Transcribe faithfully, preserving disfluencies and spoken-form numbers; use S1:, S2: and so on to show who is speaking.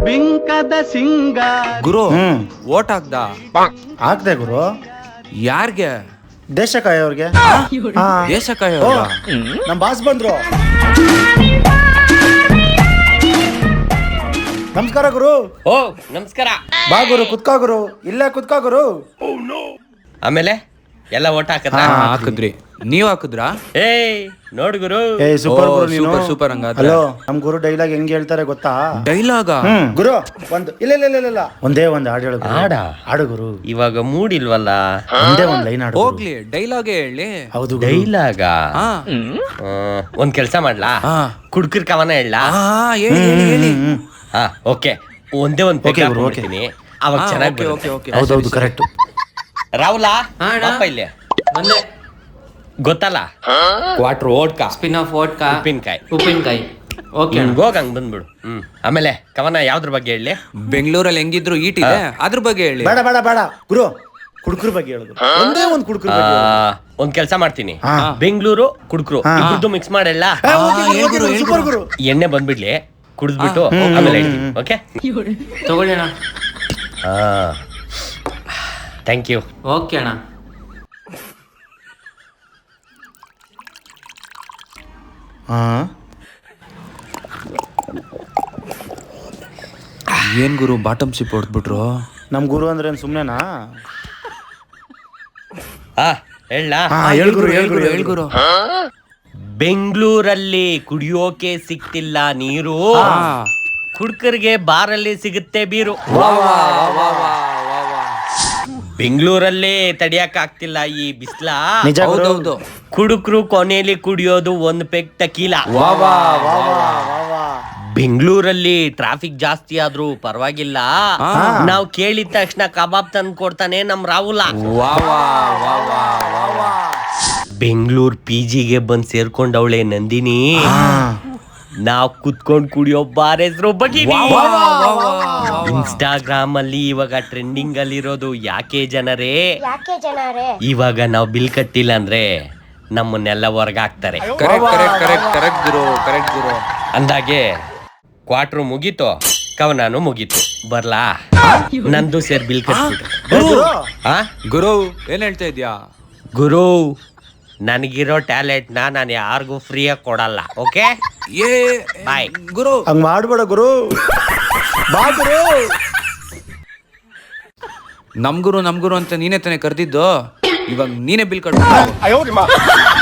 S1: ಬಿಂಕದ ಸಿಂಗ
S2: ಗುರು
S3: ಹ್ಮ್
S2: vote ಹಾಕ್ದ
S3: ಹಾಕ್ದೆ ಗುರು.
S2: ಯಾರ್ಗೆ?
S3: ದೇಶ ಕಾಯೋರ್ಗೆ. ಹಾ.
S2: ದೇಶ ಕಾಯ
S3: ಓ, ನಮ್ ಬಾಸ್ ಬಂದ್ರು. ನಮಸ್ಕಾರ ಗುರು.
S4: ಓ ನಮಸ್ಕಾರ.
S3: ಬಾ ಗುರು, ಕುತ್ಕೋ ಗುರು, ಇಲ್ಲೇ ಕುತ್ಕೋ ಗುರು.
S4: ಆಮೇಲೆ ಎಲ್ಲ ಓಟ್ ಹಾಕದ್ರ?
S2: ಹಾ, ಹಾಕಿದ್ರಿ. ನೀವ್ ಹಾಕಿದ್ರಾ?
S4: ಏಯ್ ನೋಡ್ ಗುರು.
S3: ಏ ಸೂಪರ್
S2: ಓ,
S3: ಗುರು ನೀನು.
S2: ಸೂಪರ್, ಸೂಪರ್ ಹಂಗಾದ್ರೆ.
S3: ಹಲೋ, ನಮ್ ಗುರು ಡೈಲಾಗ್ ಹೆಂಗ್ ಹೇಳ್ತಾರೆ ಗೊತ್ತಾ?
S2: ಡೈಲಾಗ?
S3: ಹ್ಮ್ ಗುರು, ಒಂದು ಇಲ್ಲ ಇಲ್ಲ ಇಲ್ಲ ಇಲ್ಲ ಒಂದೇ ಒಂದ್ ಹಾಡು ಹೇಳು ಗುರು.
S4: ಹಾಡ?
S3: ಹಾಡು ಗುರು.
S4: ಇವಾಗ ಮೂಡ್ ಇಲ್ವಲ್ಲ.
S3: ಒಂದೇ ಒಂದ್ ಲೈನ್ ಹಾಡು ಗುರು.
S2: ಹೋಗ್ಲಿ, ಡೈಲಾಗೆ ಹೇಳಿ.
S3: ಹೌದು ಗುರು.
S4: ಡೈಲಾಗ?
S2: ಹಾ
S4: ಒಂದ್ ಕೆಲ್ಸ ಮಾಡ್ಲಾ?
S2: ಹಾ.
S4: ಕುಡ್ಕರ್ ಕವನ ಹೇಳ?
S2: ಹಾ, ಹೇಳಿ ಹೇಳಿ ಹೇಳಿ.
S3: ಹ್ಮ್,
S4: ಹಾ ಓಕೆ. ಒಂದೇ ಒಂದ್
S3: Okay
S4: ಪೆಗ್
S3: ಗುರು,
S4: ಹಾಕ್ಬಿಡ್ತೀನಿ. ಅವಾಗ
S2: ಹಾ,
S4: ಚೆನ್ನಾಗಿ
S2: ಓಕೆ, ಓಕೆ, ಓಕೆ.
S3: ಹೌದೌದು ಕರೆಕ್ಟ್.
S4: ರಾಹುಲ
S5: ಹಾ, ಅಣ್ಣ.
S4: ಪಾಪ ಇಲ್ಲಿ
S5: ಬಂದೆ.
S4: ಗೊತ್ತಲ್ಲ? Quarter vodka
S5: spin off vodka,
S4: ಉಪ್ಪಿನಕಾಯಿ.
S5: ಉಪ್ಪಿನಕಾಯಿ. ಓಕೆ ಅಣ್ಣ.
S4: ಹೋಗ್ ಹಂಗ್ ಬಂದ್ಬಿಡು. ಹ್ಮ್ ಆಮೇಲೆ ಕವನ ಯಾವ್ದ್ರ ಬಗ್ಗೆ ಹೇಳಿ?
S2: ಬೆಂಗಳೂರಲ್ಲಿ ಹೆಂಗಿದ್ರು ಈಟ್ ಇದೆ, ಅದ್ರ ಬಗ್ಗೆ ಹೇಳಿ.
S3: ಬೇಡ ಬೇಡ ಬೇಡ ಗುರು, ಕುಡ್ಕರ್ ಬಗ್ಗೆ ಹೇಳುದು. ಒಂದೇ ಒಂದ್ ಕುಡ್ಕರ್ ಬಗ್ಗೆ ಹೇಳು.
S4: ಒಂದ್ ಕೆಲ್ಸ ಮಾಡ್ತೀನಿ.
S3: ಹಾ.
S4: ಬೆಂಗಳೂರು ಕುಡ್ಕ್ರು
S3: ಹಾ.
S4: ಇಬ್ರದ್ದು ಮಿಕ್ಸ್ ಮಾಡಲ್ಲ.
S3: ಏ, ಓಕೆ ಗುರು, ಓಕೆ ಗುರು, ಸೂಪರ್ ಗುರು.
S4: ಎಣ್ಣೆ ಬಂದ್ಬಿಡ್ಲಿ, ಕುಡಿದ್ಬಿಟ್ಟು ಆಮೇಲೆ ಹೇಳ್ತೀನಿ. ಓಕೆ
S5: ತಗೊಳ್ಳಿ ಅಣ್ಣ.
S4: ಹಾ ಥ್ಯಾಂಕ್ ಯು.
S5: ಓಕೆ ಅಣ್ಣ.
S3: ಹಾ
S2: ಏನ್ ಗುರು ಬಾಟಮ್ ಶಿಪ್ ಹೊಡ್ದ್ಬಿಟ್ರು?
S3: ನಮ್ ಗುರು ಅಂದ್ರೆ ಏನ್ ಸುಮ್ನೆನಾ?
S4: ಹಾ ಹೇಳ.
S3: ಹಾ ಹೇಳ್ ಗುರು, ಹೇಳ್ ಗುರು, ಹೇಳ್
S2: ಗುರು.
S4: ಬೆಂಗಳೂರಲ್ಲಿ ಕುಡಿಯೋಕೆ ಸಿಕ್ತಿಲ್ಲ ನೀರು, ಕುಡ್ಕರ್ಗೆ ಬಾರಲ್ಲಿ ಸಿಗುತ್ತೆ ಬೀರು. ಬೆಂಗಳೂರಲ್ಲೇ ತಡಿಯಕ್ ಆಗ್ತಿಲ್ಲ ಈ ಬಿಸ್ಲ.
S3: ನಿಜ ಗುರು.
S2: ಹೌದೌದು.
S4: ಕುಡುಕ್ರು ಕೊನೆಯಲ್ಲಿ ಕುಡಿಯೋದು ಒಂದ್ ಪೆಗ್ ಟಕೀಲ.
S3: ವಾ ವಾ ವಾ ವಾ ವಾ.
S4: ಬೆಂಗಳೂರಲ್ಲಿ ಟ್ರಾಫಿಕ್ ಜಾಸ್ತಿ ಆದ್ರೂ ಪರವಾಗಿಲ್ಲ,
S2: ಹಾ.
S4: ನಾವ್ ಕೇಳಿದ ತಕ್ಷಣ ಕಬಾಬ್ ತಂದು ಕೊಡ್ತಾನೆ ನಮ್ ರಾಹುಲ.
S2: ವಾ ವಾ ವಾ ವಾ ವಾ ವಾ.
S4: ಬೆಂಗಳೂರು ಪಿ ಜಿಗೆ ಬಂದ್ ಸೇರ್ಕೊಂಡವಳೆ ನಂದಿನಿ. ನಾವ್ ಕುತ್ಕೊಂಡ್ ಕುಡಿಯೋ ಬಾರ್ ಹೆಸರು ಬಗೀನಿ. ಇನ್ಸ್ಟಾಗ್ರಾಮ್ ಅಲ್ಲಿ ಇವಾಗ ಟ್ರೆಂಡಿಂಗ್ ಅಲ್ಲಿ ಇರೋದು ಯಾಕೆ ಜನರೇ,
S6: ಯಾಕೆ ಜನರೇ
S4: ಇವಾಗ ನಾವ್ ಬಿಲ್ ಕಟ್ಟಿಲ್ಲ ಅಂದ್ರೆ ನಮ್ಮನ್ನೆಲ್ಲ ಹೊರ್ಗಾಕ್ತಾರೆ.
S2: ಕರೆಕ್ಟ್ ಕರೆಕ್ಟ್ ಕರೆಕ್ಟ್ ಕರೆಕ್ಟ್ ಗುರು, ಕರೆಕ್ಟ್ ಗುರು.
S4: ಅಂದಾಗೆ ಕ್ವಾಟ್ರು ಮುಗೀತು, ಕವನಾನು ಮುಗೀತು. ಬರ್ಲಾ? ನಂದು ಸೇರ್ ಬಿಲ್ ಕಟ್ಬಿಟ್ರು.
S3: ಏ ಗುರು,
S4: ಆ
S2: ಗುರು ಏನ್ ಹೇಳ್ತಾ ಇದ್ಯಾ?
S4: ಗುರು, ನನಗಿರೋ ಟ್ಯಾಲೆಂಟ್ ನ ನಾನು ಯಾರಿಗೂ ಫ್ರೀಯಾಗಿ ಕೊಡಲ್ಲ. ಓಕೆ
S2: ಏ
S4: ಬಾಯ್
S2: ಗುರು.
S3: ಹಂಗ್ ಮಾಡ್ಬೇಡ ಗುರು. ಬಾ ಗುರು.
S2: ನಮ್ ಗುರು ನಮ್ ಗುರು ಅಂತ ನೀನೇ ತಾನೇ ಕರ್ದಿದ್ದು, ಇವಾಗ ನೀನೇ ಬಿಲ್ ಕಟ್ಬಿಡು.